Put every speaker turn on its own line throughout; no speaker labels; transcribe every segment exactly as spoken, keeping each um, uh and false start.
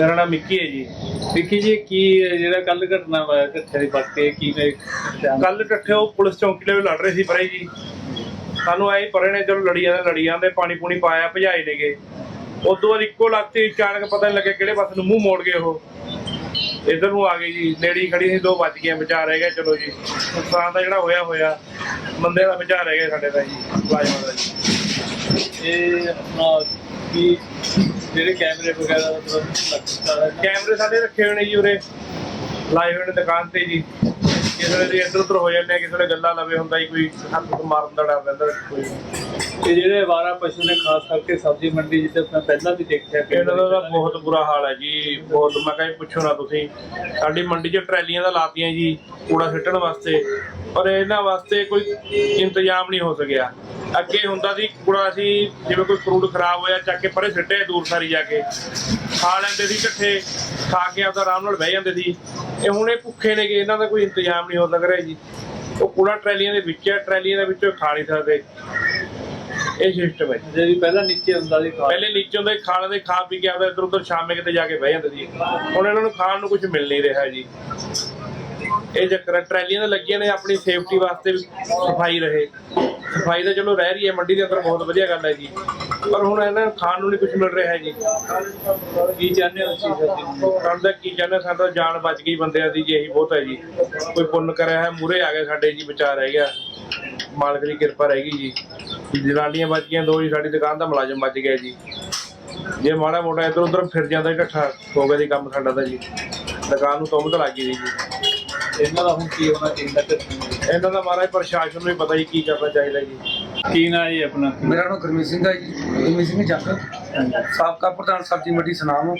मेरा नाम मिक्की है जी।
विक्की जी की ਜਿਹੜਾ ਕੱਲ ਘਟਨਾ ਹੋਇਆ ਕਿੱਥੇ ਦੀ ਵਾਕੇ ਕੀ ਨੇ
ਕੱਲ ਇਕੱਠੇ ਉਹ ਪੁਲਿਸ ਚੌਂਕੀ ਦੇ ਲੜ ਰਹੇ ਸੀ ਪਰੇ ਜੀ। ਸਾਨੂੰ ਆਏ ਪਰੇ ਨੇ ਚਲੋ ਲੜੀਆਂ ਦੇ ਲੜੀਆਂ ਦੇ ਪਾਣੀ ਪੂਣੀ ਪਾਇਆ ਭਜਾਏ ਨੇਗੇ। ਉਦੋਂ ਬਾਅਦ ਇੱਕੋ ਲੱਗ ਤੇ ਅਚਾਨਕ ਪਤਾ ਨਹੀਂ ਲੱਗਿਆ ਕਿਹੜੇ ਪਾਸੇ ਨੂੰ ਮੂੰਹ ਮੋੜ ਗਏ ਉਹ ਇੱਧਰ ਨੂੰ ਆ ਗਏ ਜੀ। ਨੇੜੀ ਖੜੀ ਸੀ ਦੋ ਵੱਜ ਗਏ ਬਚਾ ਰਹਿ ਗਿਆ। ਚਲੋ ਜੀ ਨੁਕਸਾਨ ਦਾ ਜਿਹੜਾ ਹੋਇਆ ਹੋਇਆ ਬੰਦੇ ਦਾ ਬਚਾ ਰਹਿ ਗਿਆ ਸਾਡੇ ਦਾ ਜੀ ਮੁਲਾਜ਼ਮਾਂ ਦਾ ਜੀ।
ਇਹ ਆਪਣਾ ਕੀ ਜਿਹੜੇ ਕੈਮਰੇ ਵਗੈਰਾ
ਕੈਮਰੇ ਸਾਡੇ ਰੱਖੇ ਹੋਏ ਨੇ ਜੀ ਉਰੇ ਲਾਏ ਹੋਏ ਨੇ ਦੁਕਾਨ ਤੇ ਜੀ। ਕਿਸੇ ਵੇਲੇ ਇੱਧਰ ਉੱਧਰ ਹੋ ਜਾਂਦੇ ਆ, ਕਿਸੇ ਵੇਲੇ ਗੱਲਾਂ ਲਵੇ ਹੁੰਦਾ ਜੀ, ਕੋਈ ਹੱਥ ਮਾਰਨ ਦਾ ਡਰ ਰਹਿੰਦਾ ਕੋਈ।
ਤੇ ਜਿਹੜੇ ਅਵਾਰਾ ਪਸ਼ੂ ਨੇ ਖਾਸ ਕਰਕੇ ਸਬਜ਼ੀ ਮੰਡੀ ਜਿੱਥੇ ਮੈਂ ਪਹਿਲਾਂ ਵੀ ਦੇਖਿਆ ਕਿ
ਇਹਨਾਂ ਦਾ ਤਾਂ ਬਹੁਤ ਬੁਰਾ ਹਾਲ ਹੈ ਜੀ। ਬਹੁਤ ਮੈਂ ਕਹਿੰਦਾ ਪੁੱਛੋ ਨਾ ਤੁਸੀਂ। ਸਾਡੀ ਮੰਡੀ 'ਚ ਟਰੈਲੀਆਂ ਤਾਂ ਲਾਤੀਆਂ ਜੀ ਕੂੜਾ ਸਿੱਟਣ ਵਾਸਤੇ, ਪਰ ਇਹਨਾਂ ਵਾਸਤੇ ਕੋਈ ਇੰਤਜ਼ਾਮ ਨਹੀਂ ਹੋ ਸਕਿਆ। ਅੱਗੇ ਹੁੰਦਾ ਸੀ ਕੂੜਾ ਅਸੀਂ ਜਿਵੇਂ ਕੋਈ ਫਰੂਟ ਖਰਾਬ ਹੋਇਆ ਚੱਕ ਕੇ ਪਰੇ ਸਿੱਟੇ ਦੂਰ ਸਾਰੀ ਜਾ ਕੇ ਖਾ ਲੈਂਦੇ ਸੀ ਇਕੱਠੇ, ਖਾ ਕੇ ਆਪਦਾ ਆਰਾਮ ਨਾਲ ਬਹਿ ਜਾਂਦੇ ਸੀ। ਇਹ ਹੁਣ ਇਹ ਭੁੱਖੇ ਨੇਗੇ, ਇਹਨਾਂ ਦਾ ਕੋਈ ਇੰਤਜ਼ਾਮ ਨਹੀਂ ਹੋ ਲੱਗ ਰਿਹਾ ਜੀ। ਉਹ ਕੂੜਾ ਟਰੈਲੀਆਂ ਦੇ ਵਿੱਚ ਹੈ, ਟਰੈਲੀਆਂ ਦੇ ਵਿੱਚੋਂ ਖਾ ਨਹੀਂ ਸਕਦੇ। ਇਹ ਸਿਸਟਮ ਹੈ
ਜਿਹੜੀ ਪਹਿਲਾਂ ਨੀਚੇ ਹੁੰਦਾ ਸੀ
ਪਹਿਲੇ ਨੀਚੇ ਹੁੰਦਾ ਖਾ ਲੈਂਦੇ, ਖਾ ਪੀ ਕੇ ਆਪਦਾ ਇੱਧਰ ਉੱਧਰ ਸ਼ਾਮੇ ਕਿਤੇ ਜਾ ਕੇ ਬਹਿ ਜਾਂਦੇ ਸੀ। ਹੁਣ ਇਹਨਾਂ ਨੂੰ ਖਾਣ ਨੂੰ ਕੁਝ ਮਿਲ ਨਹੀਂ ਰਿਹਾ ਜੀ। ਇਹ ਚੱਕਰ ਟਰੈਲੀਆਂ ਤਾਂ ਲੱਗੀਆਂ ਨੇ ਆਪਣੀ ਸੇਫਟੀ ਵਾਸਤੇ ਸਫਾਈ ਰਹੇ। ਸਫਾਈ ਤਾਂ ਚਲੋ ਰਹਿ ਰਹੀ ਹੈ ਮੰਡੀ ਦੇ ਅੰਦਰ, ਬਹੁਤ ਵਧੀਆ ਗੱਲ ਹੈ ਜੀ, ਪਰ ਹੁਣ ਇਹਨਾਂ ਨੂੰ ਖਾਣ ਨੂੰ ਨਹੀਂ ਕੁਝ ਮਿਲ ਰਿਹਾ ਜੀ।
ਕੀ ਚਾਹੁੰਦੇ ਹੋ ਤੁਸੀਂ
ਸਾਡਾ ਕੀ ਚਾਹੁੰਦੇ, ਸਾਡਾ ਜਾਨ ਬਚ ਗਈ ਬੰਦਿਆਂ ਦੀ ਜੀ, ਇਹੀ ਬਹੁਤ ਹੈ ਜੀ। ਕੋਈ ਪੁੰਨ ਕਰਿਆ ਹੈ ਮੂਹਰੇ ਆ ਗਏ ਸਾਡੇ ਜੀ, ਬਚਾ ਰਹਿ ਗਿਆ, ਮਾਲਕ ਦੀ ਕਿਰਪਾ ਰਹਿ ਗਈ ਜੀ। ਜਨਾਲੀਆਂ ਬਚ ਗਈਆਂ ਦੋ ਜੀ, ਸਾਡੀ ਦੁਕਾਨ ਦਾ ਮੁਲਾਜ਼ਮ ਬਚ ਗਿਆ ਜੀ। ਜੇ ਮਾੜਾ ਮੋਟਾ ਇੱਧਰ ਉੱਧਰ ਫਿਰ ਜਾਂਦਾ ਢੱਠਾ ਹੋ ਗਿਆ ਜੀ ਕੰਮ ਸਾਡਾ ਤਾਂ ਜੀ। ਦੁਕਾਨ ਨੂੰ ਤੁੰਮ ਤਾਂ ਲੱਗ ਗਈ ਜੀ।
ਇਹਨਾਂ ਦਾ ਹੁਣ ਕੀ ਹੋਣਾ ਚਾਹੀਦਾ?
ਇਹਨਾਂ ਦਾ ਮਹਾਰਾਜ ਪ੍ਰਸ਼ਾਸਨ ਨੂੰ ਵੀ ਪਤਾ ਜੀ ਕੀ ਕਰਨਾ ਚਾਹੀਦਾ ਜੀ।
ਕੀ ਨਾਂ ਜੀ ਆਪਣਾ?
ਮੇਰਾ ਨਾਮ ਗੁਰਮੀਤ ਸਿੰਘ ਹੈ ਜੀ, ਗੁਰਮੀਤ ਸਿੰਘ ਜੱਟ, ਸਾਬਕਾ ਪ੍ਰਧਾਨ ਸਬਜ਼ੀ ਮੰਡੀ ਸੁਨਾਮ।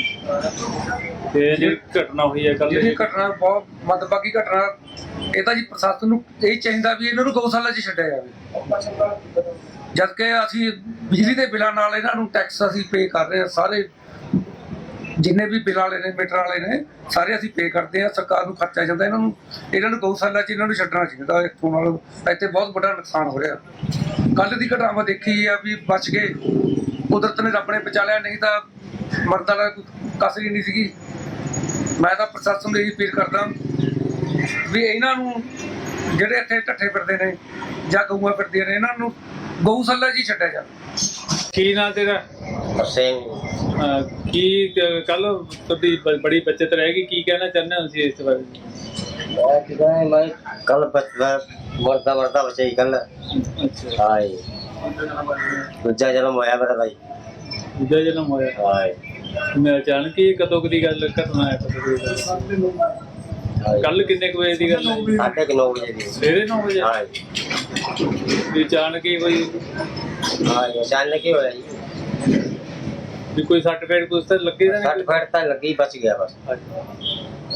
ਤੇ ਜਿਹੜੀ ਘਟਨਾ ਹੋਈ ਹੈ ਕੱਲ,
ਜਿਹੜੀ ਘਟਨਾ ਬਹੁਤ ਮੰਦਭਾਗੀ ਘਟਨਾ, ਇਹ ਤਾਂ ਜੀ ਪ੍ਰਸ਼ਾਸਨ ਨੂੰ ਇਹ ਚਾਹੀਦਾ ਵੀ ਇਹਨਾਂ ਨੂੰ ਗਊਸ਼ਾਲਾ 'ਚ ਛੱਡਿਆ ਜਾਵੇ। ਜਦ ਕਿ ਅਸੀਂ ਬਿਜਲੀ ਦੇ ਬਿੱਲਾਂ ਨਾਲ ਇਹਨਾਂ ਨੂੰ ਟੈਕਸ ਅਸੀਂ ਪੇ ਕਰ ਰਹੇ ਹਾਂ, ਸਾਰੇ ਜਿੰਨੇ ਵੀ ਬਿੱਲ ਵਾਲੇ ਨੇ ਮੀਟਰ ਵਾਲੇ ਨੇ ਸਾਰੇ ਅਸੀਂ ਪੇ ਕਰਦੇ ਹਾਂ, ਸਰਕਾਰ ਨੂੰ ਖਰਚਾ ਜਾਂਦਾ ਇਹਨਾਂ ਨੂੰ। ਇਹਨਾਂ ਨੂੰ ਗਊਸ਼ਾਲਾ 'ਚ ਇਹਨਾਂ ਨੂੰ ਛੱਡਣਾ ਚਾਹੀਦਾ। ਇੱਥੋਂ ਨਾਲ ਇੱਥੇ ਬਹੁਤ ਵੱਡਾ ਨੁਕਸਾਨ ਹੋ ਰਿਹਾ। ਕੱਲ੍ਹ ਦੀ ਘਟਨਾ ਦੇਖੀ ਆ ਵੀ ਬਚ ਗਏ, ਕੁਦਰਤ ਨੇ ਰੱਬ ਨੇ ਬਚਾ ਲਿਆ, ਨਹੀਂ ਤਾਂ ਮਰਦਾਂ ਦਾ ਕਸਰ ਹੀ ਨਹੀਂ ਸੀਗੀ। ਮੈਂ ਤਾਂ ਪ੍ਰਸ਼ਾਸਨ ਨੂੰ ਇਹੀ ਅਪੀਲ ਕਰਦਾ ਵੀ ਇਹਨਾਂ ਨੂੰ ਜਿਹੜੇ ਇੱਥੇ ਢੱਠੇ ਫਿਰਦੇ ਨੇ ਜਾਂ ਗਊਆਂ ਫਿਰਦੀਆਂ ਨੇ, ਇਹਨਾਂ ਨੂੰ ਗਊਸ਼ਾਲਾ 'ਚ ਹੀ ਛੱਡਿਆ ਜਾਵੇ।
ਕੀ ਨਾਂ ਤੇਰਾ?
ਸਿੰਘ
ਕੀ ਕੱਲ ਤੁਹਾਡੀ ਬ- ਬੜੀ ਬੱਚਤ ਰਹੇਗੀ, ਕੀ ਕਹਿਣਾ ਚਾਹੁੰਦੇ ਹੋ ਤੁਸੀਂ ਇਸ ਬਾਰੇ?
ਮੈਂ ਕਿਹਾ ਮੈਂ ਕੱਲ ਮਰਦਾ ਮਰਦਾ ਬਚੇ ਕੱਲ।
ਅੱਛਾ,
ਹਾਏ ਦੂਜਾ ਜਨਮ ਹੋਇਆ ਮੇਰਾ ਭਾਈ।
ਦੂਜਾ ਜਨਮ ਹੋਇਆ?
ਹਾਏ
ਮੈਂ ਅਚਾਨਕ ਹੀ ਕਦੋਂ ਕੁ ਦੀ ਗੱਲ ਘਟਨਾ ਹੈ? ਕਦੋਂ ਦੀ ਗੱਲ? ਕੱਲ ਕਿੰਨੇ ਕੁ ਵਜੇ ਦੀ ਗੱਲ ਹੈ?
ਸਾਢੇ ਕੁ ਨੌ ਵਜੇ ਦੀ।
ਸਵੇਰੇ ਨੌ ਵਜੇ?
ਹਾਏ
ਵੀ ਅਚਾਨਕ ਹੀ ਕੋਈ
ਹਾਏ ਅਚਾਨਕ ਹੀ ਹੋਇਆ ਜੀ।
ਵੀ ਕੋਈ ਸੱਟ ਫੇਟ ਕੁਛ ਤਾਂ ਲੱਗੇ ਤਾਂ
ਸੱਟ
ਨਹੀਂ?
ਫੇਟ ਤਾਂ ਲੱਗੀ, ਬਚ ਗਿਆ ਬਸ।
ਅੱਛਾ।